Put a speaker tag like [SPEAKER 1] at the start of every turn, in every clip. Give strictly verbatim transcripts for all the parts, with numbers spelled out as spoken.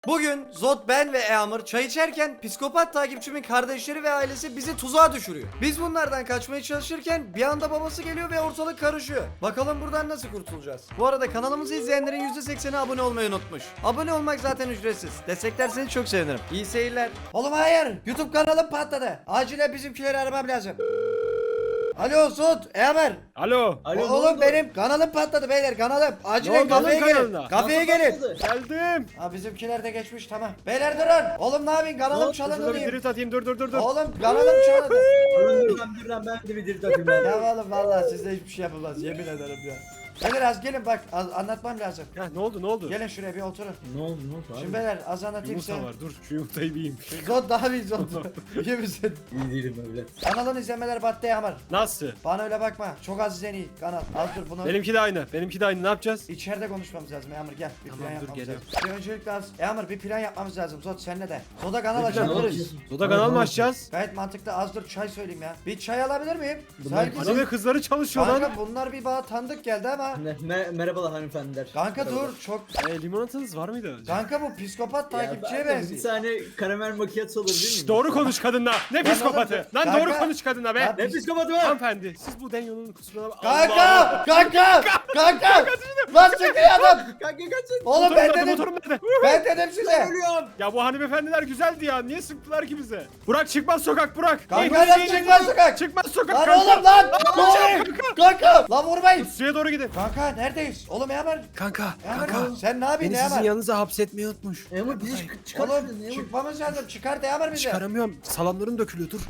[SPEAKER 1] Bugün Zod, ben ve Eamur çay içerken psikopat takipçimin kardeşleri ve ailesi bizi tuzağa düşürüyor. Biz bunlardan kaçmaya çalışırken bir anda babası geliyor ve ortalık karışıyor. Bakalım buradan nasıl kurtulacağız? Bu arada kanalımızı izleyenlerin yüzde sekseni abone olmayı unutmuş. Abone olmak zaten ücretsiz. Desteklerseniz çok sevinirim. İyi seyirler. Oğlum hayır. YouTube kanalım patladı. Acilen bizimkileri aramam lazım. Alo Zod, Eamur.
[SPEAKER 2] Alo.
[SPEAKER 3] Alo,
[SPEAKER 1] O-
[SPEAKER 3] ne
[SPEAKER 1] Oğlum
[SPEAKER 3] oldu?
[SPEAKER 1] benim kanalım patladı beyler, kanalım. Acilen
[SPEAKER 2] oldu
[SPEAKER 1] kafeye
[SPEAKER 2] oğlum
[SPEAKER 1] gelin.
[SPEAKER 2] kanalına?
[SPEAKER 1] Kafeye
[SPEAKER 3] Nasıl
[SPEAKER 1] gelin.
[SPEAKER 3] patladı?
[SPEAKER 2] Geldim.
[SPEAKER 1] Ha bizimkiler de geçmiş, tamam. Beyler durun. Oğlum ne yapayım, kanalım
[SPEAKER 3] Zod,
[SPEAKER 1] çalındı
[SPEAKER 2] Şurada bir
[SPEAKER 1] diyeyim.
[SPEAKER 2] drift atayım. Dur dur dur dur.
[SPEAKER 1] Oğlum kanalım çalındı.
[SPEAKER 3] Dur lan dur lan ben de bir diri takayım ben.
[SPEAKER 1] Ya oğlum vallahi sizde hiçbir şey yapılmaz, yemin ederim ya. Beyler az gelin bak, az anlatmam lazım.
[SPEAKER 2] Ya ne oldu ne oldu?
[SPEAKER 1] Gelin şuraya bir oturun.
[SPEAKER 3] Ne oldu ne oldu abi?
[SPEAKER 1] Şimdi beyler az anlatayım size.
[SPEAKER 2] Yumurta var. Dur şu yumurtayı bir yiyeyim.
[SPEAKER 1] Zod daha bir Zod. İyi misin?
[SPEAKER 3] İyi değilim öyle.
[SPEAKER 1] Kanalın izlemeler battı Eamur.
[SPEAKER 2] Nasıl?
[SPEAKER 1] Bana öyle bakma. Çok az izleniyor kanal. Az dur bunu.
[SPEAKER 2] Benimki de aynı. Benimki de aynı. Ne yapacağız?
[SPEAKER 1] İçeride konuşmamız lazım Eamur, gel. Bir
[SPEAKER 2] Tamam,
[SPEAKER 1] plan
[SPEAKER 2] dur,
[SPEAKER 1] yapmamız
[SPEAKER 2] geliyorum.
[SPEAKER 1] lazım. Bir öncelikle az. Eamur bir plan yapmamız lazım. Zod senle de. Zod'a kanal
[SPEAKER 2] Ne plan
[SPEAKER 1] açabiliriz.
[SPEAKER 2] Soda kanal mı açacağız?
[SPEAKER 1] Gayet mantıklı. Az dur çay söyleyeyim ya. Bir çay alabilir miyim?
[SPEAKER 3] Bunlar
[SPEAKER 1] Sanki
[SPEAKER 2] Anime kızları çalışıyor lan.
[SPEAKER 1] Kanka bunlar bir bana tanıdık geldi ama.
[SPEAKER 3] Ne, mer merhabalar hanımefendiler.
[SPEAKER 1] Kanka dur çok.
[SPEAKER 2] E, limonatanız var mıydı?
[SPEAKER 1] Kanka bu psikopat takipçiye
[SPEAKER 3] Ya, ben de Bir
[SPEAKER 1] benziyor.
[SPEAKER 3] saniye karamel macchiato alabilir
[SPEAKER 2] Şşş,
[SPEAKER 3] miyim?
[SPEAKER 2] doğru konuş kadınla. Ne
[SPEAKER 1] Lan
[SPEAKER 2] psikopatı?
[SPEAKER 1] oğlum,
[SPEAKER 2] Lan
[SPEAKER 1] kanka-
[SPEAKER 2] doğru konuş kadına be.
[SPEAKER 1] Lan-
[SPEAKER 3] Ne psikopatı var?
[SPEAKER 2] Hanımefendi siz bu Denyo'nun kusuruna bak.
[SPEAKER 1] Kanka! Kanka! Kanka! Lan çıkıyor adam!
[SPEAKER 3] Kanka kaçın.
[SPEAKER 1] Oğlum
[SPEAKER 2] Motorum
[SPEAKER 1] ben
[SPEAKER 2] nerede?
[SPEAKER 1] dedim.
[SPEAKER 2] Motorum nerede?
[SPEAKER 1] Ben dedim size.
[SPEAKER 3] Ölüyorum.
[SPEAKER 2] Ya bu hanımefendiler güzeldi ya. Niye sıktılar ki bize? Burak çıkmaz sokak Burak.
[SPEAKER 1] Kanka
[SPEAKER 2] Ey,
[SPEAKER 1] lan
[SPEAKER 2] Hüseyin,
[SPEAKER 1] çıkmaz sokak.
[SPEAKER 2] Çıkmaz sokak
[SPEAKER 1] Lan
[SPEAKER 2] kanka.
[SPEAKER 1] oğlum lan! Ne
[SPEAKER 2] yapacağım
[SPEAKER 1] oluyor? Kanka! Lan vurmayın.
[SPEAKER 2] Suya doğru gidin.
[SPEAKER 1] Kanka neredeyiz? Oğlum Eamur.
[SPEAKER 2] Kanka,
[SPEAKER 1] Eamur sen ne yapıyorsun Eamur?
[SPEAKER 2] yanınıza hapsetmeyi unutmuş.
[SPEAKER 3] Emre bizi çık- çıkar
[SPEAKER 1] Oğlum
[SPEAKER 3] şuradan, Emre.
[SPEAKER 1] çıkmamız lazım. Çıkart Eamur bizi.
[SPEAKER 2] Çıkaramıyorum. Salamlarım dökülüyor dur.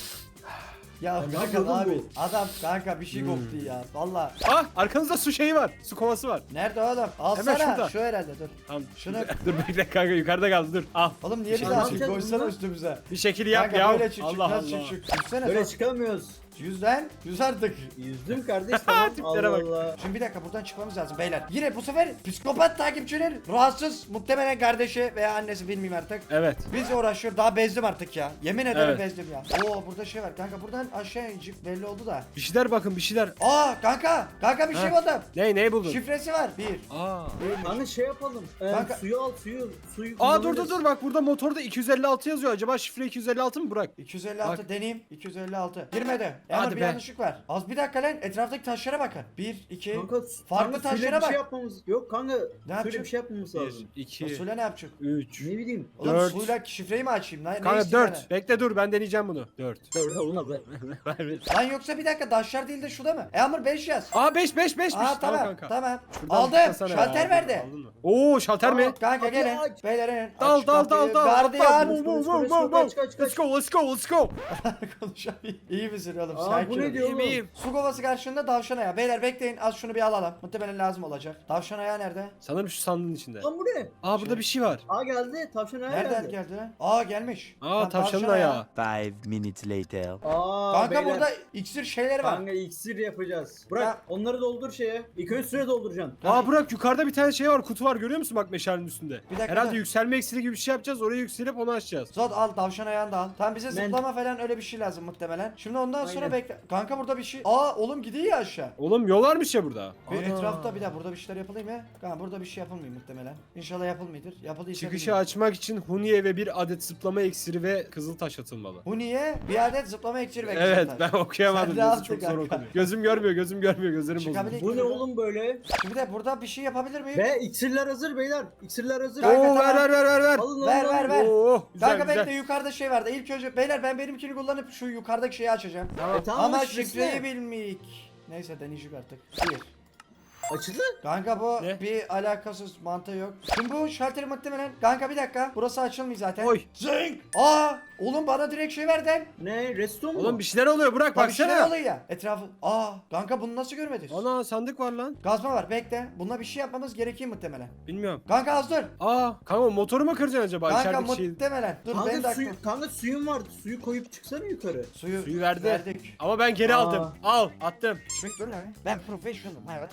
[SPEAKER 1] Ya
[SPEAKER 3] Ya
[SPEAKER 1] kanka
[SPEAKER 3] yapıyor
[SPEAKER 1] ne
[SPEAKER 3] lan
[SPEAKER 1] yapıyorsun? Adam kanka bir şey koktu ya. Valla.
[SPEAKER 2] Ah arkanızda su şeyi var. Su kovası var.
[SPEAKER 1] Nerede oğlum? Alsana.
[SPEAKER 2] şurada.
[SPEAKER 1] Şu herhalde dur.
[SPEAKER 2] Tamam.
[SPEAKER 1] Şunu-
[SPEAKER 2] dur bekle kanka yukarıda kaldı dur. Al.
[SPEAKER 1] Oğlum niye
[SPEAKER 2] Bir
[SPEAKER 1] bize
[SPEAKER 2] şey
[SPEAKER 1] atıyorsun?
[SPEAKER 3] yapacağız
[SPEAKER 1] Koysana
[SPEAKER 3] bundan.
[SPEAKER 1] üstümüze.
[SPEAKER 2] Bir şekil yap
[SPEAKER 1] Kanka
[SPEAKER 2] ya.
[SPEAKER 1] böyle çık çık
[SPEAKER 2] Allah
[SPEAKER 1] nasıl
[SPEAKER 2] Allah.
[SPEAKER 1] çık çık. Yüzsene
[SPEAKER 3] Böyle
[SPEAKER 1] Zod.
[SPEAKER 3] çıkamıyoruz.
[SPEAKER 1] Yüzden. Yüz artık.
[SPEAKER 3] Yüzdüm kardeş tamam.
[SPEAKER 2] Tiplere
[SPEAKER 3] Allah
[SPEAKER 2] bak.
[SPEAKER 3] Allah.
[SPEAKER 1] Şimdi bir dakika buradan çıkmamız lazım beyler. Yine bu sefer psikopat takipçinin rahatsız muhtemelen kardeşi veya annesi bilmiyorum artık.
[SPEAKER 2] Evet.
[SPEAKER 1] Biz uğraşıyor, daha bezdim artık ya. Yemin ederim
[SPEAKER 2] Evet.
[SPEAKER 1] bezdim ya. Oo burada şey var kanka, buradan aşağı inecek belli oldu da.
[SPEAKER 2] Bir şeyler bakın bir şeyler.
[SPEAKER 1] Aa kanka kanka bir şey
[SPEAKER 2] Ha.
[SPEAKER 1] buldum.
[SPEAKER 2] Ne ne buldun?
[SPEAKER 1] Şifresi var. Bir.
[SPEAKER 2] Aa.
[SPEAKER 1] Değilmiş.
[SPEAKER 3] Kanka şey yapalım. Ee,
[SPEAKER 1] Kanka-
[SPEAKER 3] Suyu al suyu. Suyu
[SPEAKER 2] Aa dur dur
[SPEAKER 3] kullanırız.
[SPEAKER 2] dur bak burada motorda iki yüz elli altı yazıyor. Acaba şifre iki yüz elli altı mı Burak?
[SPEAKER 1] iki yüz elli altı
[SPEAKER 2] Bak.
[SPEAKER 1] deneyeyim. iki yüz elli altı. Girmedi. Ama
[SPEAKER 2] Hadi
[SPEAKER 1] bir
[SPEAKER 2] be.
[SPEAKER 1] yanlışlık var. Az bir dakika lan, etraftaki taşlara bakın. Bir, iki.
[SPEAKER 3] Kanka,
[SPEAKER 1] Farklı
[SPEAKER 3] kanka,
[SPEAKER 1] taşlara
[SPEAKER 3] şöyle bir
[SPEAKER 1] bak.
[SPEAKER 3] şey yapmamız. Yok kanka. şöyle
[SPEAKER 1] yapacak?
[SPEAKER 3] bir şey yapmamız lazım.
[SPEAKER 2] bir, iki,
[SPEAKER 1] Suyla ne yapacak?
[SPEAKER 2] üç.
[SPEAKER 3] Ne bileyim.
[SPEAKER 1] Oğlum
[SPEAKER 2] Dört.
[SPEAKER 1] suyla şifreyi mi açayım? Ne, ne
[SPEAKER 2] Kanka
[SPEAKER 1] istiyorsun
[SPEAKER 2] dört. Bekle dur ben deneyeceğim bunu. dört.
[SPEAKER 3] Olmaz be.
[SPEAKER 1] bana? Lan yoksa bir dakika, taşlar değil de şurada mı? Eamur beş yaz.
[SPEAKER 2] Aa beş beş beş.
[SPEAKER 1] Aa tamam
[SPEAKER 2] kanka.
[SPEAKER 1] tamam.
[SPEAKER 2] Şuradan
[SPEAKER 1] Aldım.
[SPEAKER 2] tıklasana
[SPEAKER 1] Şalter
[SPEAKER 2] ya.
[SPEAKER 1] verdi.
[SPEAKER 2] Aldın mı? Oo şalter mi?
[SPEAKER 3] Aa,
[SPEAKER 1] Kanka
[SPEAKER 3] Kapıyı
[SPEAKER 1] gelin.
[SPEAKER 3] aç.
[SPEAKER 1] Beyler in.
[SPEAKER 2] Dal
[SPEAKER 1] Aç
[SPEAKER 2] dal
[SPEAKER 1] kapıyı.
[SPEAKER 2] dal dal.
[SPEAKER 1] Gardiyan.
[SPEAKER 2] Move, move, move,
[SPEAKER 3] Kaç,
[SPEAKER 2] move, move.
[SPEAKER 3] kaç, kaç, kaç.
[SPEAKER 2] Let's go let's go let's go.
[SPEAKER 1] Konuşamıyorum. İyi misin oğlum?
[SPEAKER 3] Aa,
[SPEAKER 1] Sakin
[SPEAKER 3] bu
[SPEAKER 1] ol.
[SPEAKER 3] ne diyor
[SPEAKER 2] İyiyim
[SPEAKER 3] oğlum?
[SPEAKER 2] iyiyim.
[SPEAKER 1] Su kovası karşında tavşan ayağı. Beyler bekleyin, az şunu bir alalım. Muhtemelen lazım olacak. Tavşan ayağı nerede?
[SPEAKER 2] Sanırım şu sandığın içinde.
[SPEAKER 3] Lan bu ne?
[SPEAKER 2] Aa burada
[SPEAKER 1] Şey-
[SPEAKER 2] bir şey var.
[SPEAKER 3] Aa geldi. Tavşan ayağı
[SPEAKER 1] Nereden
[SPEAKER 3] geldi.
[SPEAKER 1] geldi lan? Aa gelmiş.
[SPEAKER 2] Aa
[SPEAKER 1] Lan
[SPEAKER 2] tavşanın
[SPEAKER 1] tavşan
[SPEAKER 2] ayağı.
[SPEAKER 4] Five minutes later.
[SPEAKER 3] Aa
[SPEAKER 1] Kanka
[SPEAKER 3] beyler.
[SPEAKER 1] burada iksir şeyleri var.
[SPEAKER 3] Kanka iksir yapacağız. Bırak
[SPEAKER 1] Ya-
[SPEAKER 3] onları doldur şeye. İlk önce süre dolduracaksın.
[SPEAKER 2] Aa Burak yukarıda bir tane şey var, kutu var, görüyor musun bak meşalenin üstünde.
[SPEAKER 1] Bir dakika,
[SPEAKER 2] Herhalde
[SPEAKER 1] dur.
[SPEAKER 2] yükselme iksiri gibi bir şey yapacağız, oraya yükselip onu açacağız.
[SPEAKER 1] Zod al, tavşan ayağını da al. Tamam, bize
[SPEAKER 3] Ben-
[SPEAKER 1] zıplama falan öyle bir şey lazım muhtemelen. Şimdi ondan sonra
[SPEAKER 3] Aynen.
[SPEAKER 1] bekle. Kanka burada bir şey. Aa oğlum gidiyor ya aşağı.
[SPEAKER 2] Oğlum yol varmış ya burada.
[SPEAKER 1] Bir
[SPEAKER 2] Ana.
[SPEAKER 1] etrafta bir daha burada bir şeyler yapılayım ya. Kanka burada bir şey yapılmıyor muhtemelen. İnşallah yapılmıyordur. Yapıldıysa
[SPEAKER 2] Çıkışı
[SPEAKER 1] bilmiyorum.
[SPEAKER 2] açmak için Huniye ve bir adet zıplama iksiri ve kızıl taş atılmalı.
[SPEAKER 1] Bu niye? Bir adet zıplama iksiri ve
[SPEAKER 2] Evet
[SPEAKER 1] kızıltaş.
[SPEAKER 2] ben okuyamadım.
[SPEAKER 1] Sen
[SPEAKER 2] Yazı
[SPEAKER 1] rahat
[SPEAKER 2] çok
[SPEAKER 1] dur
[SPEAKER 2] zor
[SPEAKER 1] kanka.
[SPEAKER 2] okunuyor. Gözüm görmüyor, gözüm görmüyor, gözlerim
[SPEAKER 1] Çıkabilir-
[SPEAKER 2] bozuldu.
[SPEAKER 3] Bu ne oğlum böyle?
[SPEAKER 1] Şimdi de burada bir şey yapabilir miyim?
[SPEAKER 3] Ve iksirler hazır beyler. İksirler hazır.
[SPEAKER 1] Kanka,
[SPEAKER 2] Oo
[SPEAKER 1] tamam.
[SPEAKER 2] ver ver ver ver ver.
[SPEAKER 3] Alın
[SPEAKER 1] Ver,
[SPEAKER 3] alın,
[SPEAKER 1] ver,
[SPEAKER 3] alın.
[SPEAKER 1] ver.
[SPEAKER 2] Oo güzel
[SPEAKER 1] Kanka
[SPEAKER 2] güzel.
[SPEAKER 1] bekle, yukarıda şey vardı. İlk önce beyler ben benimkini kullanıp şu yukarıdaki şeyi açacağım.
[SPEAKER 3] E, tamam,
[SPEAKER 1] Ama
[SPEAKER 3] şifresi
[SPEAKER 1] şifreyi
[SPEAKER 3] ne?
[SPEAKER 1] bilmeyik. Neyse deneyecek artık. Bir.
[SPEAKER 3] Açıldı.
[SPEAKER 1] Kanka bu
[SPEAKER 2] Ne?
[SPEAKER 1] bir alakasız, mantığı yok. Şimdi bu şalteri muhtemelen. Kanka bir dakika. Burası açılmıyor zaten.
[SPEAKER 2] Oy.
[SPEAKER 1] Zing. Aa oğlum bana direkt şey verdin.
[SPEAKER 3] Ne? Resto mu?
[SPEAKER 2] Oğlum bir şeyler oluyor, bırak
[SPEAKER 1] Bak bir şeyler
[SPEAKER 2] baksana.
[SPEAKER 1] oluyor ya. Etrafı. Aa kanka bunu nasıl görmediniz?
[SPEAKER 2] Ana sandık var lan.
[SPEAKER 1] Gazma var, bekle. Bununla bir şey yapmamız gerekiyor muhtemelen.
[SPEAKER 2] Bilmiyorum.
[SPEAKER 1] Kanka az dur.
[SPEAKER 2] Aa kanka motoru mu kıracaksın acaba?
[SPEAKER 1] Kanka
[SPEAKER 2] İçerideki şey.
[SPEAKER 1] muhtemelen. Dur benim de
[SPEAKER 3] Kanka,
[SPEAKER 1] aklım.
[SPEAKER 3] suyu, kanka suyun vardı. Suyu koyup çıksana yukarı.
[SPEAKER 1] Suyu,
[SPEAKER 2] Suyu verdi.
[SPEAKER 1] verdik.
[SPEAKER 2] Ama ben geri
[SPEAKER 3] Aa.
[SPEAKER 2] aldım. Al attım.
[SPEAKER 1] Şimdi dur lan. Ben profesyonelim hayatım. Saygı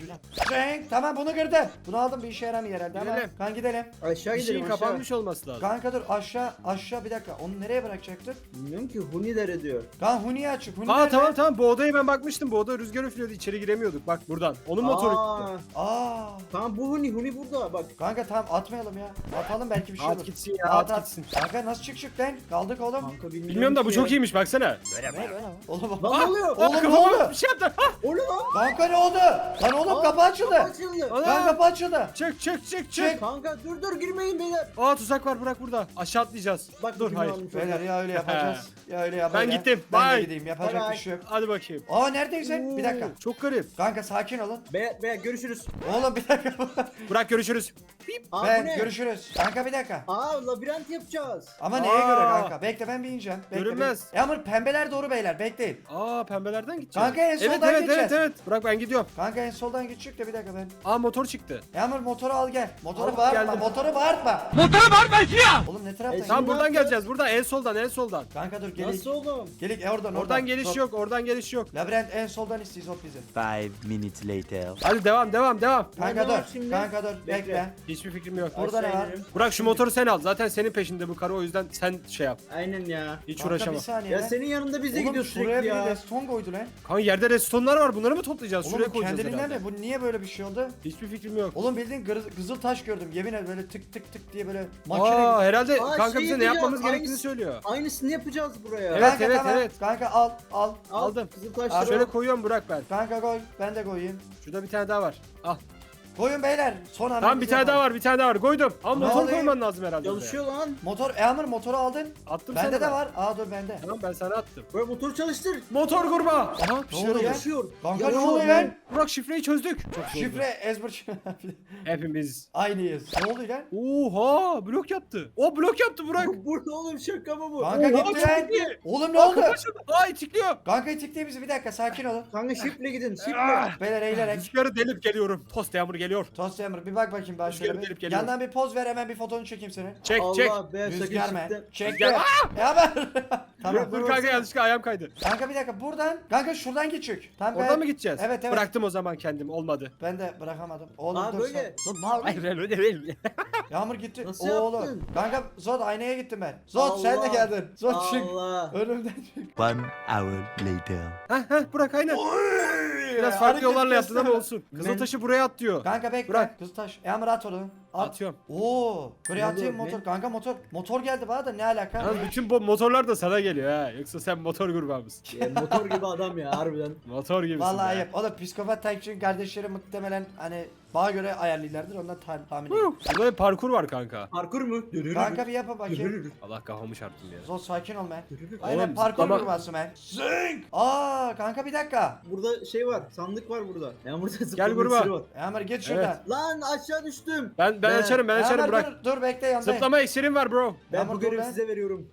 [SPEAKER 1] Cenk tamam bunu kırdım. Bunu aldım bir işe yaramıyor herhalde ama.
[SPEAKER 2] Gidelim.
[SPEAKER 1] Kan gidelim.
[SPEAKER 3] Aşağı
[SPEAKER 2] Bir
[SPEAKER 3] gidelim
[SPEAKER 2] şeyin
[SPEAKER 3] aşağı.
[SPEAKER 2] kapanmış olması lazım.
[SPEAKER 1] Kanka dur aşağı aşağı bir dakika. Onu nereye bırakacaktık?
[SPEAKER 3] Bilmiyorum ki Huni'lere diyor.
[SPEAKER 1] Kan Huni'ye açık. Huni
[SPEAKER 2] Aa
[SPEAKER 1] nerede?
[SPEAKER 2] tamam tamam bu odaya ben bakmıştım. Bu oda rüzgar üflüyordu. İçeri giremiyorduk. Bak buradan. Onun motoru gitti.
[SPEAKER 3] Aa,
[SPEAKER 1] Aa.
[SPEAKER 3] tamam bu Huni Huni burada bak.
[SPEAKER 1] Kanka tamam atmayalım ya. Atalım belki bir şey
[SPEAKER 2] At
[SPEAKER 1] olur.
[SPEAKER 2] gitsin ya, at gitsin.
[SPEAKER 1] Kanka nasıl çıkacak lan? Kaldık oğlum.
[SPEAKER 3] Kanka bilmiyorum,
[SPEAKER 2] Bilmiyorum da bu
[SPEAKER 3] ki
[SPEAKER 2] çok
[SPEAKER 3] ya.
[SPEAKER 2] iyiymiş baksana.
[SPEAKER 1] Oğlum
[SPEAKER 3] Lan
[SPEAKER 1] bak.
[SPEAKER 3] ne oluyor?
[SPEAKER 1] Oğlum,
[SPEAKER 2] Oğlum
[SPEAKER 1] ne
[SPEAKER 2] kafama
[SPEAKER 1] oldu?
[SPEAKER 2] bir şey yaptı. Ah!
[SPEAKER 3] O ne lan?
[SPEAKER 1] Kanka ne oldu? Lan oğlum
[SPEAKER 3] Aa,
[SPEAKER 1] kapı açıldı.
[SPEAKER 3] açıldı.
[SPEAKER 2] Ana!
[SPEAKER 1] Lan kapı açıldı.
[SPEAKER 2] Çık çık çık
[SPEAKER 1] Çık.
[SPEAKER 2] çık.
[SPEAKER 3] Kanka dur dur girmeyin beyler.
[SPEAKER 2] Aa tuzak var bırak burada. Aşağı atlayacağız.
[SPEAKER 3] Bak
[SPEAKER 2] Dur
[SPEAKER 3] bugün
[SPEAKER 2] hayır.
[SPEAKER 3] almış
[SPEAKER 1] Beyler
[SPEAKER 3] orada.
[SPEAKER 1] ya öyle yapacağız. ya öyle yapacağız.
[SPEAKER 2] Ben gittim.
[SPEAKER 1] Ben de
[SPEAKER 2] Bye.
[SPEAKER 1] gideyim. Yapacak
[SPEAKER 3] Bye
[SPEAKER 1] bir şey yok.
[SPEAKER 2] Hadi bakayım.
[SPEAKER 1] Aa neredeyiz sen? Bir dakika.
[SPEAKER 2] Oo, Çok garip.
[SPEAKER 1] Kanka sakin olun.
[SPEAKER 3] Beyler, beyler görüşürüz.
[SPEAKER 1] Oğlum bir dakika.
[SPEAKER 2] Bırak görüşürüz.
[SPEAKER 3] Aa bu
[SPEAKER 1] ben
[SPEAKER 3] ne?
[SPEAKER 1] görüşürüz. Kanka bir dakika.
[SPEAKER 3] Aa labirent yapacağız.
[SPEAKER 1] Ama neye
[SPEAKER 2] Aa.
[SPEAKER 1] göre kanka? Bekle ben bir ineceğim. Bekle,
[SPEAKER 2] Görünmez.
[SPEAKER 1] bir- Yağmur pembeler doğru beyler bekleyin.
[SPEAKER 2] Aa pembelerden gideceğiz.
[SPEAKER 1] Kanka, en
[SPEAKER 2] Evet
[SPEAKER 1] soldan
[SPEAKER 2] evet
[SPEAKER 1] gideceğiz.
[SPEAKER 2] evet evet. Bırak ben gidiyorum.
[SPEAKER 1] Kanka en soldan gidecek de bir dakika ben.
[SPEAKER 2] Aa motor çıktı.
[SPEAKER 1] Yağmur motoru al gel. Motoru
[SPEAKER 2] Al,
[SPEAKER 1] bağırtma.
[SPEAKER 2] geldim.
[SPEAKER 1] Motoru bağırtma.
[SPEAKER 2] Motora bağırma ya.
[SPEAKER 1] Oğlum ne taraftan?
[SPEAKER 3] E,
[SPEAKER 2] Tamam
[SPEAKER 3] Ne
[SPEAKER 2] buradan
[SPEAKER 3] yapacağız?
[SPEAKER 2] geleceğiz. Buradan en soldan en soldan.
[SPEAKER 1] Kanka dur gelik.
[SPEAKER 3] Nasıl oğlum?
[SPEAKER 1] Gelik e, oradan oradan.
[SPEAKER 2] Oradan geliş
[SPEAKER 1] Hop.
[SPEAKER 2] yok. Oradan geliş yok.
[SPEAKER 1] Labirent en soldan istiyoruz hop bizi.
[SPEAKER 4] Five minutes later.
[SPEAKER 2] Hadi devam devam devam.
[SPEAKER 1] Kanka
[SPEAKER 3] Ne var
[SPEAKER 1] dur.
[SPEAKER 3] şimdi?
[SPEAKER 1] Kanka dur. Bekle.
[SPEAKER 3] Bekle.
[SPEAKER 2] Hiçbir fikrim yok.
[SPEAKER 1] Burada ne
[SPEAKER 3] Aşağı
[SPEAKER 1] var?
[SPEAKER 3] inelim.
[SPEAKER 2] Bırak şu motoru sen al. Zaten senin peşinde bu karı o yüzden sen şey yap.
[SPEAKER 3] Aynen ya.
[SPEAKER 2] Hiç
[SPEAKER 1] Kanka bir
[SPEAKER 2] uğraşamam.
[SPEAKER 1] saniye
[SPEAKER 3] Ya
[SPEAKER 1] lan.
[SPEAKER 3] senin yanında biz de
[SPEAKER 1] Oğlum
[SPEAKER 3] gidiyoruz
[SPEAKER 1] şuraya
[SPEAKER 3] sürekli
[SPEAKER 1] bir
[SPEAKER 3] ya.
[SPEAKER 1] reston koydu lan.
[SPEAKER 2] Kanka yerde restonlar var. Bunları mı toplayacağız?
[SPEAKER 1] Oğlum
[SPEAKER 2] Şuraya
[SPEAKER 1] bu
[SPEAKER 2] koyacağız
[SPEAKER 1] kendiliğinden
[SPEAKER 2] herhalde.
[SPEAKER 1] mi? Bu niye böyle bir şey oldu?
[SPEAKER 2] Hiçbir fikrim yok.
[SPEAKER 1] Oğlum bildiğin gır- kızıl taş gördüm. Yemin ederim böyle tık tık tık diye böyle makine.
[SPEAKER 2] Aa herhalde
[SPEAKER 3] Aa,
[SPEAKER 2] kanka
[SPEAKER 3] şey
[SPEAKER 2] bize ne
[SPEAKER 3] yapacağız,
[SPEAKER 2] yapmamız gerektiğini
[SPEAKER 3] aynısı-
[SPEAKER 2] söylüyor.
[SPEAKER 3] Aynısını yapacağız buraya.
[SPEAKER 2] Evet,
[SPEAKER 1] Kanka,
[SPEAKER 2] evet,
[SPEAKER 1] tamam.
[SPEAKER 2] evet.
[SPEAKER 1] Kanka al al.
[SPEAKER 3] Al,
[SPEAKER 2] aldım.
[SPEAKER 3] Kızıl
[SPEAKER 1] Abi,
[SPEAKER 3] taşları
[SPEAKER 2] Şöyle
[SPEAKER 3] al.
[SPEAKER 2] koyuyorum bırak ben.
[SPEAKER 1] Kanka koy. Ben de koyayım.
[SPEAKER 2] Şurada bir tane daha var. Al.
[SPEAKER 1] Koyun beyler. Son anda
[SPEAKER 2] Tamam bir
[SPEAKER 1] biz
[SPEAKER 2] tane daha
[SPEAKER 1] yapalım.
[SPEAKER 2] var bir tane daha var. Koydum. Ama
[SPEAKER 1] Ne
[SPEAKER 2] motor
[SPEAKER 1] oluyor?
[SPEAKER 2] koyman lazım herhalde. oraya.
[SPEAKER 3] Çalışıyor lan.
[SPEAKER 1] Motor Eamur motoru aldın.
[SPEAKER 2] Attım
[SPEAKER 1] Bende
[SPEAKER 2] sana
[SPEAKER 1] de
[SPEAKER 2] ben.
[SPEAKER 1] var. Aa dur bende.
[SPEAKER 2] Tamam ben sana attım.
[SPEAKER 3] Böyle motor çalıştır.
[SPEAKER 2] Motor kurma. Aha bir
[SPEAKER 1] Ne
[SPEAKER 2] şeyler
[SPEAKER 1] oldu
[SPEAKER 2] oldu.
[SPEAKER 1] ya?
[SPEAKER 3] Çalışıyor.
[SPEAKER 1] Kanka ne
[SPEAKER 3] Yanıyor
[SPEAKER 1] oluyor
[SPEAKER 3] lan.
[SPEAKER 1] lan?
[SPEAKER 2] Burak şifreyi çözdük. Çok zor.
[SPEAKER 1] Şifre ezber.
[SPEAKER 2] Hepimiz.
[SPEAKER 1] Aynıyız. Ne oluyor lan?
[SPEAKER 2] Oha blok yaptı. O blok yaptı Burak.
[SPEAKER 3] Burada oğlum şaka mı bu?
[SPEAKER 1] Kanka
[SPEAKER 2] Oha,
[SPEAKER 1] gitti
[SPEAKER 2] çok
[SPEAKER 1] lan.
[SPEAKER 2] iyi.
[SPEAKER 1] Oğlum ne
[SPEAKER 2] Aa,
[SPEAKER 1] oldu?
[SPEAKER 2] kapı açıldı. Aa itikliyor.
[SPEAKER 1] Kanka itikleyin bizi bir dakika sakin olun.
[SPEAKER 3] Kanka şifle gidin şifle.
[SPEAKER 2] Ah.
[SPEAKER 1] Beyler eğilerek.
[SPEAKER 2] Rüzgarı delip geliyorum. Tost yağmur geliyor.
[SPEAKER 1] Tost Yağmur bir bak bakayım ben şöyle
[SPEAKER 2] Gelip
[SPEAKER 1] bir.
[SPEAKER 2] gelip geliyor.
[SPEAKER 1] Yandan bir poz ver hemen bir fotoğrafını çekeyim seni.
[SPEAKER 2] Çek çek.
[SPEAKER 3] Allah be
[SPEAKER 1] Rüzgar
[SPEAKER 3] sakın
[SPEAKER 1] mı?
[SPEAKER 3] şifle.
[SPEAKER 1] Çek
[SPEAKER 2] Rüzgar-
[SPEAKER 1] de. Yağmur. Tamam.
[SPEAKER 2] Dur kanka yanlışlıkla ayağım kaydı.
[SPEAKER 1] Kanka bir dakika buradan. Kanka şuradan geçecek. Tamam
[SPEAKER 2] Oradan
[SPEAKER 1] ben-
[SPEAKER 2] mı gideceğiz?
[SPEAKER 1] Evet evet.
[SPEAKER 2] Bıraktım o zaman kendim olmadı.
[SPEAKER 1] Ben de bırakamadım. Oğlum
[SPEAKER 3] Aa,
[SPEAKER 1] dur
[SPEAKER 3] böyle.
[SPEAKER 1] sen. Dur, ne yapıyorsun?
[SPEAKER 2] Hayır öyle değil.
[SPEAKER 1] Yağmur gitti.
[SPEAKER 3] Nasıl
[SPEAKER 1] Oğlum.
[SPEAKER 3] yaptın?
[SPEAKER 1] Kanka Zod aynaya gittim ben. Zod sen de
[SPEAKER 3] Allah.
[SPEAKER 1] geldin. Zod çık.
[SPEAKER 3] Allah.
[SPEAKER 1] Önümden çık.
[SPEAKER 4] One hour later.
[SPEAKER 2] Heh heh Burak aynen. Biraz farklı
[SPEAKER 1] Hareket
[SPEAKER 2] yollarla yaptın ama
[SPEAKER 1] gösterme.
[SPEAKER 2] olsun.
[SPEAKER 3] Men-
[SPEAKER 2] Kızıltaşı buraya at diyor.
[SPEAKER 1] Kanka bekle.
[SPEAKER 2] Bırak.
[SPEAKER 1] Kız taş. Yağmur at onu. At.
[SPEAKER 2] Atıyorum.
[SPEAKER 1] Oo. Buraya
[SPEAKER 3] Ne
[SPEAKER 1] atayım
[SPEAKER 3] oluyor,
[SPEAKER 1] motor.
[SPEAKER 3] ne?
[SPEAKER 1] Kanka motor. Motor geldi bana da ne alaka?
[SPEAKER 2] Yalnız bütün bu motorlar da sana geliyor ha. Yoksa sen motor grubu mısın?
[SPEAKER 3] Ya, motor gibi adam ya harbiden.
[SPEAKER 2] Motor gibisin.
[SPEAKER 1] Vallahi
[SPEAKER 2] be.
[SPEAKER 1] ayıp. O da psikopat takipçinin kardeşleri muhtemelen hani bana göre ayarlılardır. Ondan ta- tahmin
[SPEAKER 2] Huh,
[SPEAKER 1] ediyorum.
[SPEAKER 2] Burada bir parkur var kanka.
[SPEAKER 3] Parkur mu?
[SPEAKER 1] Kanka bir yapın bakayım.
[SPEAKER 2] Allah kafamı çarptım ya.
[SPEAKER 1] Zod sakin ol ben.
[SPEAKER 2] Oğlum,
[SPEAKER 1] Aynen parkur
[SPEAKER 2] zıplama-
[SPEAKER 1] kurması ben. Zing. Aa kanka bir dakika.
[SPEAKER 3] Burada şey var, sandık var burada. Yani burada zıplama
[SPEAKER 2] gruba.
[SPEAKER 3] iksiri var.
[SPEAKER 1] Yağmur git şuradan.
[SPEAKER 3] Lan aşağı düştüm.
[SPEAKER 2] Ben ben
[SPEAKER 3] Ben-
[SPEAKER 2] açarım ben
[SPEAKER 1] Yağmur
[SPEAKER 2] açarım bırak.
[SPEAKER 1] dur, dur bekle yanındayım.
[SPEAKER 2] Zıplama iksirim var bro.
[SPEAKER 3] Ben
[SPEAKER 1] Yağmur
[SPEAKER 3] bu
[SPEAKER 1] dur
[SPEAKER 3] görevi
[SPEAKER 1] lan.
[SPEAKER 3] size veriyorum.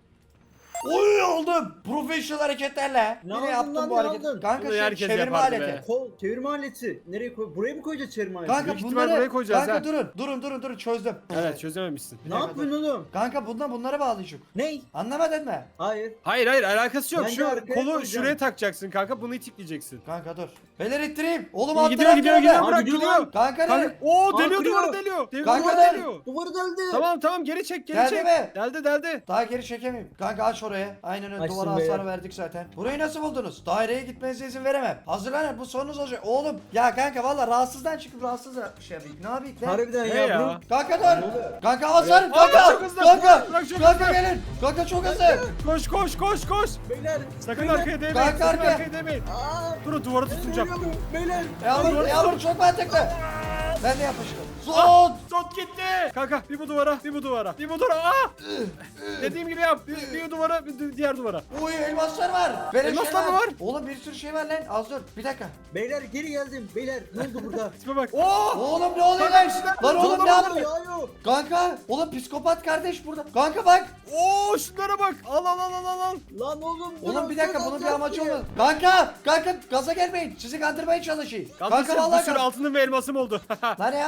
[SPEAKER 1] Oy oldum. Profesyonel hareketlerle.
[SPEAKER 3] Ne
[SPEAKER 1] Yine
[SPEAKER 3] aldın
[SPEAKER 1] yaptım
[SPEAKER 3] lan,
[SPEAKER 1] bu
[SPEAKER 3] ne
[SPEAKER 1] hareketi.
[SPEAKER 3] aldın?
[SPEAKER 1] Kanka
[SPEAKER 2] Bunu
[SPEAKER 1] şey,
[SPEAKER 2] herkes
[SPEAKER 1] çevirme
[SPEAKER 2] yapardı
[SPEAKER 1] aleti.
[SPEAKER 2] be.
[SPEAKER 3] Kol, çevirme aleti. Nereye koy? Buraya mı koyacağız çevirme aleti?
[SPEAKER 1] Kanka
[SPEAKER 2] Büyük ihtimal
[SPEAKER 1] bunları
[SPEAKER 2] buraya koyacağız
[SPEAKER 1] kanka
[SPEAKER 2] ha.
[SPEAKER 1] durun durun durun durun çözdüm.
[SPEAKER 2] Evet çözememişsin.
[SPEAKER 1] Bir
[SPEAKER 3] ne
[SPEAKER 1] dakika,
[SPEAKER 3] yapıyorsun oğlum?
[SPEAKER 1] Kanka bundan bunlara bağlayacak.
[SPEAKER 3] Ney?
[SPEAKER 1] Anlamadın mı?
[SPEAKER 3] Hayır.
[SPEAKER 2] Hayır hayır alakası yok.
[SPEAKER 3] Bence
[SPEAKER 2] Şu
[SPEAKER 3] arkaya
[SPEAKER 2] kolu
[SPEAKER 3] koyacağım.
[SPEAKER 2] şuraya takacaksın kanka bunu itikleyeceksin.
[SPEAKER 1] Kanka dur. Beyler ittireyim. Oğlum
[SPEAKER 2] İyi,
[SPEAKER 1] alt
[SPEAKER 2] gidiyor
[SPEAKER 1] taraf
[SPEAKER 2] gidiyor
[SPEAKER 1] nerede?
[SPEAKER 2] gidiyor
[SPEAKER 3] Aa,
[SPEAKER 2] bırak
[SPEAKER 3] gidiyor
[SPEAKER 2] gidiyor.
[SPEAKER 3] lan.
[SPEAKER 1] Kanka
[SPEAKER 2] Kanka,
[SPEAKER 1] ne?
[SPEAKER 2] oo
[SPEAKER 3] Aa,
[SPEAKER 2] deliyor
[SPEAKER 3] kırıyor.
[SPEAKER 2] duvarı deliyor. Deliyor
[SPEAKER 1] Kanka
[SPEAKER 2] duvarı
[SPEAKER 1] der.
[SPEAKER 2] deliyor.
[SPEAKER 3] Duvarı deldi.
[SPEAKER 2] Tamam tamam geri çek geri
[SPEAKER 1] Geldi
[SPEAKER 2] çek.
[SPEAKER 1] mi?
[SPEAKER 2] Deldi deldi.
[SPEAKER 1] Daha geri çekemeyim. Kanka aç oraya. Aynen öyle
[SPEAKER 3] Açtım
[SPEAKER 1] duvara
[SPEAKER 3] be.
[SPEAKER 1] hasar verdik zaten. Burayı nasıl buldunuz? Daireye gitmenize izin veremem. Hazırlanın bu sonunuz olacak. Oğlum ya kanka valla rahatsızdan çıkıp rahatsız şey yapayım. Ne yapayım lan?
[SPEAKER 3] Harbiden
[SPEAKER 2] Ne
[SPEAKER 3] ya,
[SPEAKER 2] ya?
[SPEAKER 3] bunu.
[SPEAKER 1] Kanka
[SPEAKER 3] Ne
[SPEAKER 1] dur.
[SPEAKER 3] oluyor?
[SPEAKER 1] Kanka hasar.
[SPEAKER 2] Aa,
[SPEAKER 1] Kanka.
[SPEAKER 2] çok hızlı.
[SPEAKER 1] Kanka.
[SPEAKER 2] Bırak çok
[SPEAKER 1] Kanka
[SPEAKER 2] hızlı.
[SPEAKER 1] gelin. Kanka çok hızlı.
[SPEAKER 2] Koş koş koş koş.
[SPEAKER 3] Beyler.
[SPEAKER 2] Sakın
[SPEAKER 3] beyler.
[SPEAKER 2] arkaya değmeyin.
[SPEAKER 1] Kanka,
[SPEAKER 2] Sakın
[SPEAKER 1] arkaya.
[SPEAKER 2] arkaya değmeyin.
[SPEAKER 3] Aa,
[SPEAKER 2] Durun duvarı tutunacağım.
[SPEAKER 3] ölüyorum. Beyler.
[SPEAKER 1] Yağmur, yağmur çok mantıklı. Ben de yapıştım. Son.
[SPEAKER 2] Zot gitti. Kanka bir bu duvara bir bu duvara. Bir bu duvara. Aa! Dediğim gibi yap. Bir, bir duvara bir di- diğer duvara.
[SPEAKER 1] Uy elmaslar var. Böyle
[SPEAKER 2] Elmaslar
[SPEAKER 1] şey
[SPEAKER 2] mı var?
[SPEAKER 1] Oğlum bir sürü şey var lan. Az dur. Bir dakika.
[SPEAKER 3] Beyler geri geldim. Beyler ne oldu burada?
[SPEAKER 2] Tipe bak. Oo!
[SPEAKER 1] Oğlum ne oluyor
[SPEAKER 2] Kanka,
[SPEAKER 1] lan?
[SPEAKER 2] bir şeyler-
[SPEAKER 1] Lan oğlum ne
[SPEAKER 3] Zorlama
[SPEAKER 1] yaptın?
[SPEAKER 3] yağıyor.
[SPEAKER 1] Kanka. Oğlum psikopat kardeş burada. Kanka bak.
[SPEAKER 2] Oo şunlara bak. Al al al al al. al.
[SPEAKER 3] Lan oğlum.
[SPEAKER 1] Oğlum bir dakika bunun bir
[SPEAKER 3] alacağız
[SPEAKER 1] amacı
[SPEAKER 3] diye.
[SPEAKER 1] olmaz. Kanka. Kanka gaza gelmeyin. Sizi kandırmaya çalışayım.
[SPEAKER 2] Kanka,
[SPEAKER 1] Kanka
[SPEAKER 2] bir
[SPEAKER 1] vallahi
[SPEAKER 2] sürü
[SPEAKER 1] kanka.
[SPEAKER 2] altınım ve elmasım oldu.
[SPEAKER 1] Lan Yağmur öldükten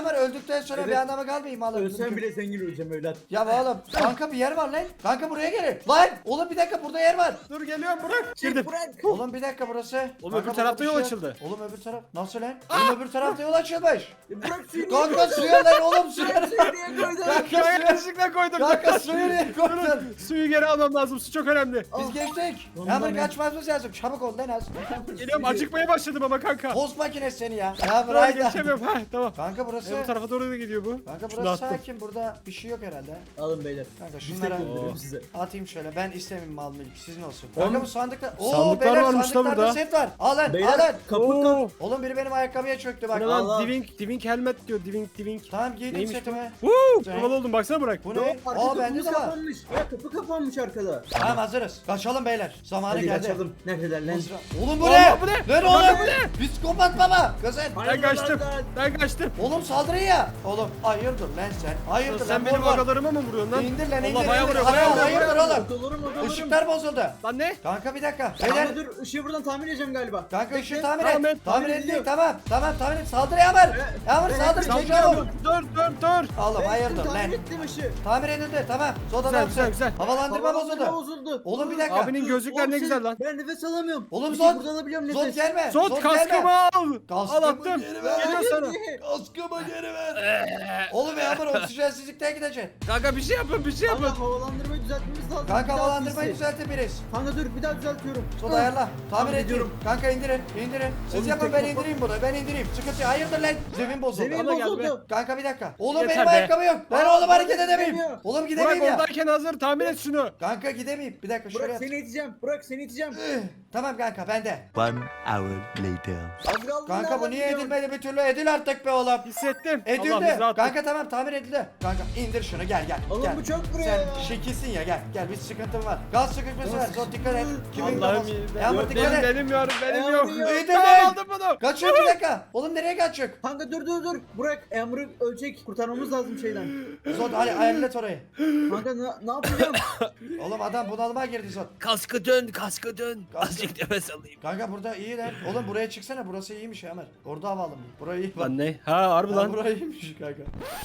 [SPEAKER 1] öldükten sonra
[SPEAKER 3] Evet.
[SPEAKER 1] bir anlamı kalmayayım oğlum.
[SPEAKER 3] Ölsen bile zengin öleceğim evlat.
[SPEAKER 1] Ya oğlum kanka bir yer var lan. Kanka buraya gelin. Lan oğlum bir dakika burada yer var.
[SPEAKER 2] Dur geliyorum bırak.
[SPEAKER 3] Çek
[SPEAKER 2] Girdim.
[SPEAKER 3] bırak.
[SPEAKER 1] Oğlum bir dakika burası.
[SPEAKER 2] Oğlum
[SPEAKER 1] Kanka,
[SPEAKER 2] öbür
[SPEAKER 1] burada
[SPEAKER 2] tarafta
[SPEAKER 1] bir
[SPEAKER 2] yol
[SPEAKER 1] şey yok.
[SPEAKER 2] açıldı.
[SPEAKER 1] Oğlum öbür taraf nasıl lan? Oğlum öbür tarafta yol açılmış.
[SPEAKER 3] E, Bırak suyu.
[SPEAKER 1] Kanka suya lan oğlum suya.
[SPEAKER 3] Bırak suyu niye koydun?
[SPEAKER 1] Kanka
[SPEAKER 2] Ya
[SPEAKER 1] suya.
[SPEAKER 2] yanlışlıkla koydum.
[SPEAKER 1] Kanka suyu niye koydun?
[SPEAKER 2] Durun, suyu geri almam lazım. Su çok önemli.
[SPEAKER 1] Biz geçtik.
[SPEAKER 3] Ondan
[SPEAKER 1] Yağmur
[SPEAKER 3] ben-
[SPEAKER 1] kaçmamız lazım. Çabuk ol lan az.
[SPEAKER 2] Geliyorum acıkmaya başladım ama kanka.
[SPEAKER 1] Tost makinesi seni ya. Ya
[SPEAKER 2] Dur
[SPEAKER 1] bırak.
[SPEAKER 2] geçemiyorum. Ha tamam.
[SPEAKER 1] Kanka burası.
[SPEAKER 2] E, bu tarafa doğru da gidiyor bu.
[SPEAKER 1] Kanka
[SPEAKER 2] Şunu
[SPEAKER 1] burası
[SPEAKER 2] attım.
[SPEAKER 1] sakin. Burada bir şey yok herhalde.
[SPEAKER 3] Alın beyler.
[SPEAKER 1] Kanka
[SPEAKER 3] Biz
[SPEAKER 1] şunlara
[SPEAKER 3] tek gönderiyorum
[SPEAKER 2] Oo.
[SPEAKER 3] size.
[SPEAKER 1] atayım şöyle. Ben istemeyeyim mal mülk. Sizin olsun.
[SPEAKER 2] Oğlum,
[SPEAKER 1] Kanka bu sandıkta. Oo
[SPEAKER 2] sandıklar
[SPEAKER 1] beyler
[SPEAKER 2] varmış lan
[SPEAKER 1] sandıklarda
[SPEAKER 2] burada.
[SPEAKER 1] set var. Al lan. Al lan.
[SPEAKER 3] Beyler kapı kapı.
[SPEAKER 2] Oo.
[SPEAKER 1] Oğlum biri benim ayakkabıya çöktü bak.
[SPEAKER 2] Bu ne lan?
[SPEAKER 3] Allah.
[SPEAKER 2] Diving, diving helmet diyor. Diving, diving.
[SPEAKER 1] Tamam giydim
[SPEAKER 2] Neymiş
[SPEAKER 1] setimi.
[SPEAKER 2] Woo!
[SPEAKER 1] Sen-
[SPEAKER 2] Havalı oldum baksana bırak.
[SPEAKER 1] Bu
[SPEAKER 3] Yok,
[SPEAKER 1] ne?
[SPEAKER 3] arka
[SPEAKER 1] Aa bende
[SPEAKER 3] kapımız
[SPEAKER 1] de var.
[SPEAKER 3] kapanmış. Ya kapı kapanmış arkada.
[SPEAKER 1] Tamam hazırız. Kaçalım beyler. Zamanı
[SPEAKER 3] Hadi
[SPEAKER 1] geldi.
[SPEAKER 3] kaçalım. Neredeler lan?
[SPEAKER 1] Oğlum bu
[SPEAKER 2] Allah,
[SPEAKER 1] ne?
[SPEAKER 2] bu ne?
[SPEAKER 1] Lan
[SPEAKER 2] Kanka,
[SPEAKER 1] oğlum.
[SPEAKER 2] bu ne?
[SPEAKER 1] Psikopat baba. Kızın.
[SPEAKER 2] Ben kaçtım.
[SPEAKER 3] lan.
[SPEAKER 2] Ben kaçtım.
[SPEAKER 1] Oğlum saldırı ya. Oğlum hayırdır lan sen? Hayırdır
[SPEAKER 2] Sen
[SPEAKER 1] lan?
[SPEAKER 2] benim
[SPEAKER 1] Morgan.
[SPEAKER 2] agalarıma mı vuruyorsun lan?
[SPEAKER 1] İndir lan indir.
[SPEAKER 2] Allah bayağı
[SPEAKER 1] indir.
[SPEAKER 2] vuruyor.
[SPEAKER 1] Hayır,
[SPEAKER 2] Bayağı vuruyor.
[SPEAKER 1] hayırdır
[SPEAKER 2] bayağı
[SPEAKER 1] oğlum?
[SPEAKER 2] vuruyor.
[SPEAKER 3] Odalarım odalarım.
[SPEAKER 1] Işıklar bozuldu.
[SPEAKER 2] Lan ne?
[SPEAKER 1] Kanka bir dakika.
[SPEAKER 3] Beyler.
[SPEAKER 1] Beyler.
[SPEAKER 3] Dur ışığı buradan tamir edeceğim galiba.
[SPEAKER 1] Kanka ışığı
[SPEAKER 3] Bekle.
[SPEAKER 1] tamir
[SPEAKER 2] Tamam,
[SPEAKER 1] et.
[SPEAKER 2] et.
[SPEAKER 1] Tamir
[SPEAKER 3] Tamir
[SPEAKER 1] edildi.
[SPEAKER 3] ediliyor.
[SPEAKER 1] Tamam. Tamam tamir et. Saldır Yağmur. Yağmur
[SPEAKER 3] evet,
[SPEAKER 1] saldır.
[SPEAKER 3] evet,
[SPEAKER 1] Çek oğlum.
[SPEAKER 2] Dur dur dur.
[SPEAKER 1] Oğlum
[SPEAKER 3] Ben
[SPEAKER 1] hayırdır
[SPEAKER 3] ettim,
[SPEAKER 1] lan?
[SPEAKER 3] tamir ettim ışığı.
[SPEAKER 1] Tamir edildi tamam. Soda
[SPEAKER 2] Güzel,
[SPEAKER 1] da
[SPEAKER 2] güzel, güzel.
[SPEAKER 1] Havalandırma
[SPEAKER 3] Havalandırma
[SPEAKER 1] bozuldu.
[SPEAKER 3] bozuldu.
[SPEAKER 1] Oğlum bir dakika.
[SPEAKER 2] Abinin gözlükler
[SPEAKER 3] Oğlum
[SPEAKER 2] ne
[SPEAKER 3] sen-
[SPEAKER 2] güzel lan.
[SPEAKER 3] Ben nefes alamıyorum.
[SPEAKER 1] Oğlum
[SPEAKER 3] Peki,
[SPEAKER 1] Zod.
[SPEAKER 3] Buradan alabiliyorum nefes.
[SPEAKER 1] Zod gelme.
[SPEAKER 2] Zod
[SPEAKER 1] Zod
[SPEAKER 2] kaskımı
[SPEAKER 1] gelme.
[SPEAKER 2] al.
[SPEAKER 1] Kaskımı
[SPEAKER 2] Al attım.
[SPEAKER 1] geri ver.
[SPEAKER 2] Geliyor sana.
[SPEAKER 1] Kaskımı geri ver. Oğlum Yağmur oksijensizlikten gideceksin.
[SPEAKER 2] Kanka bir şey yapın bir şey
[SPEAKER 3] Kanka
[SPEAKER 2] yapın.
[SPEAKER 3] havalandırmayı düzeltmemiz lazım.
[SPEAKER 1] Kanka
[SPEAKER 3] Bir daha
[SPEAKER 1] havalandırmayı
[SPEAKER 3] pisi.
[SPEAKER 1] düzeltebiliriz.
[SPEAKER 3] Kanka dur bir daha düzeltiyorum.
[SPEAKER 1] Soda ayarla. Tamir
[SPEAKER 3] Tamir
[SPEAKER 1] ediyorum.
[SPEAKER 3] ediyorum.
[SPEAKER 1] Kanka indirin. indirin. Siz
[SPEAKER 3] Oğlum
[SPEAKER 1] yapın
[SPEAKER 3] tek
[SPEAKER 1] ben
[SPEAKER 3] kafa-
[SPEAKER 1] indireyim bunu. Ben indireyim. Sıkıntı yok. Hayırdır lan? Zemin bozuldu.
[SPEAKER 3] Zemin
[SPEAKER 2] Bana gel be.
[SPEAKER 3] bozuldu.
[SPEAKER 1] Kanka bir dakika. Oğlum
[SPEAKER 2] Yeter
[SPEAKER 1] benim
[SPEAKER 2] be.
[SPEAKER 1] ayakkabı yok. Ben
[SPEAKER 3] Aa,
[SPEAKER 1] oğlum hareket
[SPEAKER 3] Burak
[SPEAKER 1] edemeyim.
[SPEAKER 3] gidemiyor.
[SPEAKER 1] Oğlum
[SPEAKER 2] Burak
[SPEAKER 1] gidemeyim ya.
[SPEAKER 2] oradayken hazır tamir et şunu.
[SPEAKER 1] Kanka gidemeyim. Bir dakika şöyle
[SPEAKER 3] Burak
[SPEAKER 1] yap.
[SPEAKER 3] seni iteceğim. Burak seni iteceğim.
[SPEAKER 1] Tamam kanka bende.
[SPEAKER 4] One hour later.
[SPEAKER 3] Az kaldı.
[SPEAKER 1] Kanka bu
[SPEAKER 3] nereden
[SPEAKER 1] niye
[SPEAKER 3] gidiyorsun?
[SPEAKER 1] edilmedi bir türlü? Edil artık be oğlum.
[SPEAKER 2] Hissettim. Allah
[SPEAKER 1] Edildi.
[SPEAKER 2] bizi rahat
[SPEAKER 1] Kanka tamam tamir edildi. Kanka indir şunu gel gel.
[SPEAKER 3] Oğlum
[SPEAKER 1] gel.
[SPEAKER 3] bu çok buraya
[SPEAKER 1] Sen
[SPEAKER 3] ya.
[SPEAKER 1] şekilsin ya gel. Gel bir sıkıntın var. Gaz sıkışması var. Zor dikkat et. Kimin
[SPEAKER 2] Allah'ım
[SPEAKER 1] kafası?
[SPEAKER 2] iyi.
[SPEAKER 1] Yağmur
[SPEAKER 2] Yok,
[SPEAKER 1] dikkat
[SPEAKER 2] benim,
[SPEAKER 1] et.
[SPEAKER 2] benim yok benim
[SPEAKER 3] Yağmur
[SPEAKER 2] yok.
[SPEAKER 3] yok.
[SPEAKER 1] İyi de
[SPEAKER 2] Tamam
[SPEAKER 1] ben.
[SPEAKER 2] aldım bunu.
[SPEAKER 1] Kaçıyor bir dakika. Oğlum nereye kaçıyor?
[SPEAKER 3] Kanka dur dur dur. Burak Emre ölecek. Kurtarmamız lazım şeyden.
[SPEAKER 1] Zod hadi ayarlat orayı.
[SPEAKER 3] Kanka ne, ne yapacağım?
[SPEAKER 1] Oğlum adam bunalıma girdi Zod.
[SPEAKER 2] Kaskı dön kaskı dön.
[SPEAKER 1] Azıcık
[SPEAKER 2] nefes alayım.
[SPEAKER 1] Kanka burada iyi lan. Oğlum buraya çıksana. Burası iyiymiş Ömer. Orada havalı mı? Burayı iyi bak.
[SPEAKER 2] Lan ne? Ha harbi
[SPEAKER 1] Lan
[SPEAKER 2] lan.
[SPEAKER 1] burayı iyiymiş kanka.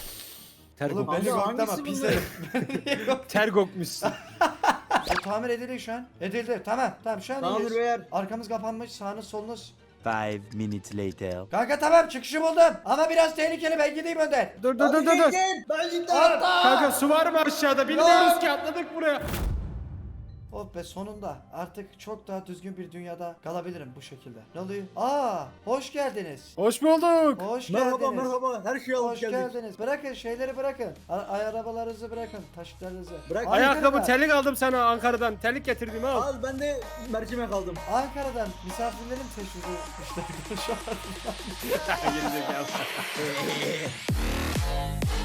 [SPEAKER 2] Ter
[SPEAKER 1] Oğlum
[SPEAKER 2] kokmuş.
[SPEAKER 1] beni
[SPEAKER 3] Kanka,
[SPEAKER 1] korkutma
[SPEAKER 3] hangisi
[SPEAKER 1] pis
[SPEAKER 3] bunlar?
[SPEAKER 1] herif.
[SPEAKER 2] Ter kokmuşsun.
[SPEAKER 1] O tamir edildi şu an. Edildi. Tamam. Tamam şu an
[SPEAKER 3] Tamamdır
[SPEAKER 1] iyiyiz.
[SPEAKER 3] beyler.
[SPEAKER 1] Arkamız kapanmış. Sağınız solunuz.
[SPEAKER 4] Five minutes later.
[SPEAKER 1] Kanka tamam çıkışı buldum. Ama biraz tehlikeli. Ben gideyim önden.
[SPEAKER 2] Dur dur dur
[SPEAKER 3] Hadi
[SPEAKER 2] dur.
[SPEAKER 3] gel,
[SPEAKER 2] dur.
[SPEAKER 3] gel. Ben şimdi.
[SPEAKER 1] Arda!
[SPEAKER 2] Kanka su var mı aşağıda? Bilmiyoruz ki atladık buraya.
[SPEAKER 1] Oh be sonunda artık çok daha düzgün bir dünyada kalabilirim bu şekilde. Ne oluyor? Aa, hoş geldiniz.
[SPEAKER 2] Hoş bulduk.
[SPEAKER 1] Hoş
[SPEAKER 3] Merhaba
[SPEAKER 1] geldiniz.
[SPEAKER 3] merhaba. Her şeyi alıp
[SPEAKER 1] Hoş
[SPEAKER 3] geldik.
[SPEAKER 1] geldiniz. Bırakın şeyleri bırakın. A- ay arabalarınızı bırakın. Taşlarınızı.
[SPEAKER 3] Bırak.
[SPEAKER 2] Ayakkabı
[SPEAKER 1] Ankara'dan-
[SPEAKER 2] terlik aldım sana Ankara'dan. Terlik getirdim al.
[SPEAKER 3] Al ben de mercimek aldım.
[SPEAKER 1] Ankara'dan misafirlerim teşvik etmişler şu an.
[SPEAKER 2] Gerizekalı.